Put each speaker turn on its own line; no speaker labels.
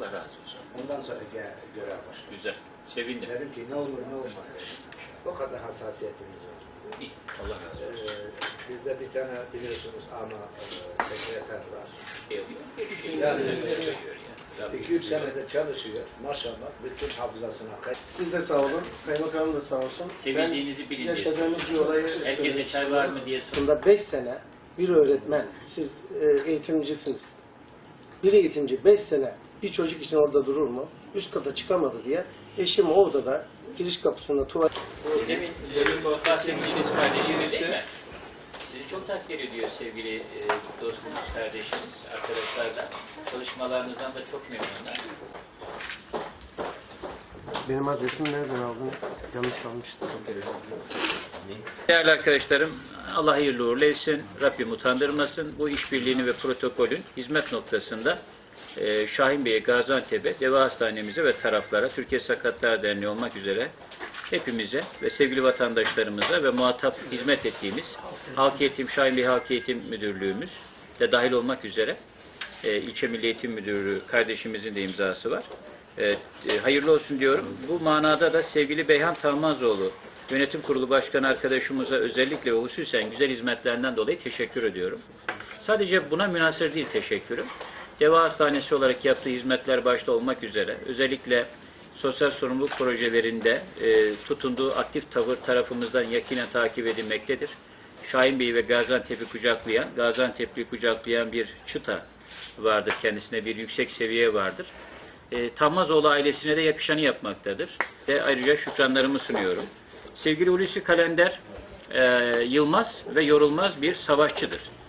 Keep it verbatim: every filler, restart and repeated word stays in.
Allah razı olsun.
Ondan sonra görev başladı.
Güzel. Sevindim.
Dedim ki ne olur ne olmaz dedim. O kadar hassasiyetimiz var.
İyi. Allah razı olsun.
Ee, bizde bir tane biliyorsunuz ama e, sekreter var.
Yani,
iki üç senedir çalışıyor. Maşallah bütün hafızasına.
Siz de sağ olun. Kaymakamım da sağ olsun.
Sevildiğinizi bilin.
Yaşadığımız bir olayı
herkese çay var mı diye sorun.
Bunda beş sene bir öğretmen, siz e, eğitimcisiniz. Bir eğitimci beş sene bir çocuk için orada durur mu? Üst kata çıkamadı diye eşim o odada giriş kapısında tuvalet...
Demin, demin bahsettiğiniz kardeşiniz değil mi? Sizi çok takdir ediyor sevgili e, dostumuz, kardeşiniz, arkadaşlar da. Çalışmalarınızdan da çok memnunlar.
Benim adresimi nereden aldınız? Yanlış almıştım.
Değerli arkadaşlarım, Allah hayırlı uğurlu etsin, Rabbim utandırmasın. Bu işbirliğini ve protokolün hizmet noktasında e, Şahin Bey'e, Gaziantep'e, Deva Hastanemize ve taraflara, Türkiye Sakatlar Derneği olmak üzere hepimize ve sevgili vatandaşlarımıza ve muhatap hizmet ettiğimiz Halk Eğitim, Şahin Bey Halk Eğitim Müdürlüğümüz de dahil olmak üzere e, İlçe Milli Eğitim Müdürlüğü kardeşimizin de imzası var. E, e, hayırlı olsun diyorum. Bu manada da sevgili Beyhan Talmazoğlu, Yönetim Kurulu Başkanı arkadaşımıza özellikle ve hususen güzel hizmetlerinden dolayı teşekkür ediyorum. Sadece buna münhasır değil teşekkürüm. Deva Hastanesi olarak yaptığı hizmetler başta olmak üzere özellikle sosyal sorumluluk projelerinde e, tutunduğu aktif tavır tarafımızdan yakinen takip edilmektedir. Şahin Bey'i ve Gaziantep'i kucaklayan, Gaziantep'li kucaklayan bir çıta vardır. Kendisine bir yüksek seviye vardır. E, Talmazoğlu ailesine de yakışanı yapmaktadır. Ve ayrıca şükranlarımı sunuyorum. Sevgili Hulusi Kalender, e, yılmaz ve yorulmaz bir savaşçıdır.